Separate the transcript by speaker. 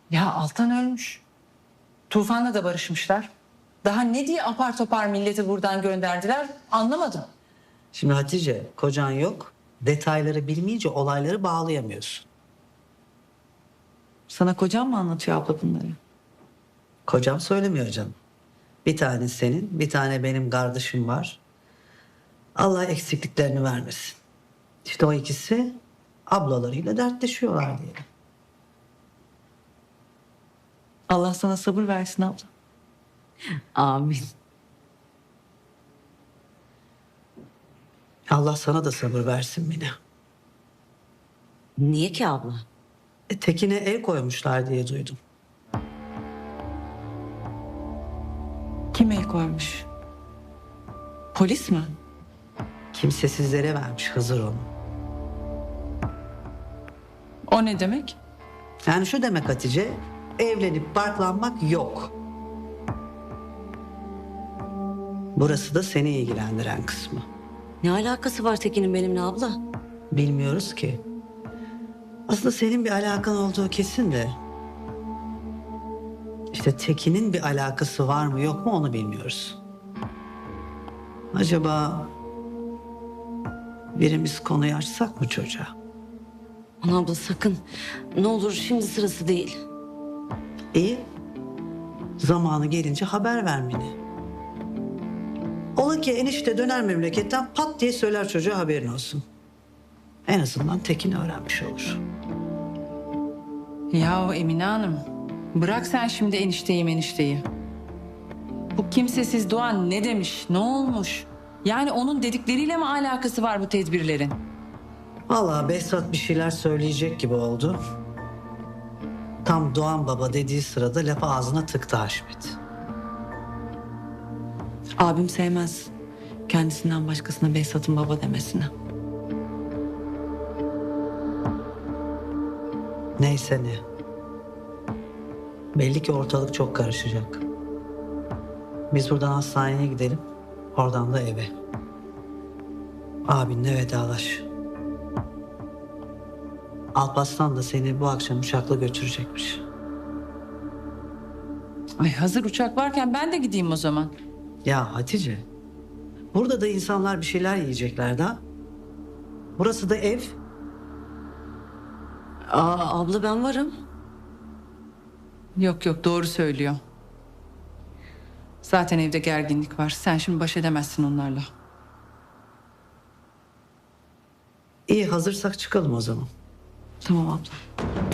Speaker 1: Ya Altan ölmüş. Tufan'la da barışmışlar. Daha ne diye apar topar milleti buradan gönderdiler anlamadım.
Speaker 2: Şimdi Hatice, kocan yok. Detayları bilmeyince olayları bağlayamıyorsun.
Speaker 1: Sana kocam mı anlatıyor abla bunları?
Speaker 2: Kocam söylemiyor canım. Bir tane senin, bir tane benim kardeşim var. Allah eksikliklerini vermesin. İşte o ikisi ablalarıyla dertleşiyorlar diyelim.
Speaker 1: Allah sana sabır versin abla.
Speaker 3: Amin.
Speaker 2: Allah sana da sabır versin Mine.
Speaker 3: Niye ki abla?
Speaker 2: Tekin'e el koymuşlar diye duydum.
Speaker 1: Kim el koymuş? Polis mi?
Speaker 2: Kimsesizlere vermiş Hızır onu.
Speaker 1: O ne demek?
Speaker 2: Yani şu demek Hatice, evlenip barklanmak yok. Burası da seni ilgilendiren kısmı.
Speaker 3: Ne alakası var Tekin'in benimle abla?
Speaker 2: Bilmiyoruz ki. Aslında senin bir alakan olduğu kesin de. İşte Tekin'in bir alakası var mı yok mu onu bilmiyoruz. Acaba birimiz konuyu açsak mı çocuğa?
Speaker 3: Aman abla sakın. Ne olur şimdi sırası değil.
Speaker 2: İyi. Zamanı gelince haber ver beni. Ola ki enişte döner memleketten pat diye söyler çocuğa haberin olsun. En azından Tekin öğrenmiş olur.
Speaker 1: Ya Emine Hanım, bırak sen şimdi enişteyi. Bu kimsesiz Doğan ne demiş, ne olmuş? Yani onun dedikleriyle mi alakası var bu tedbirlerin?
Speaker 2: Vallahi Behzat bir şeyler söyleyecek gibi oldu. Tam Doğan Baba dediği sırada lafı ağzına tıktı Haşmet.
Speaker 1: Abim sevmez. Kendisinden başkasına Behzat'ın baba demesini.
Speaker 2: Neyse ne. Belli ki ortalık çok karışacak. Biz buradan hastaneye gidelim. Oradan da eve. Abinle vedalaş. Alparslan da seni bu akşam uçakla götürecekmiş.
Speaker 1: Ay hazır uçak varken ben de gideyim o zaman.
Speaker 2: Ya Hatice, burada da insanlar bir şeyler yiyecekler daha. Burası da ev.
Speaker 3: Abla ben varım.
Speaker 1: Yok doğru söylüyor. Zaten evde gerginlik var. Sen şimdi baş edemezsin onlarla.
Speaker 2: İyi hazırsak çıkalım o zaman.
Speaker 1: Tamam abla.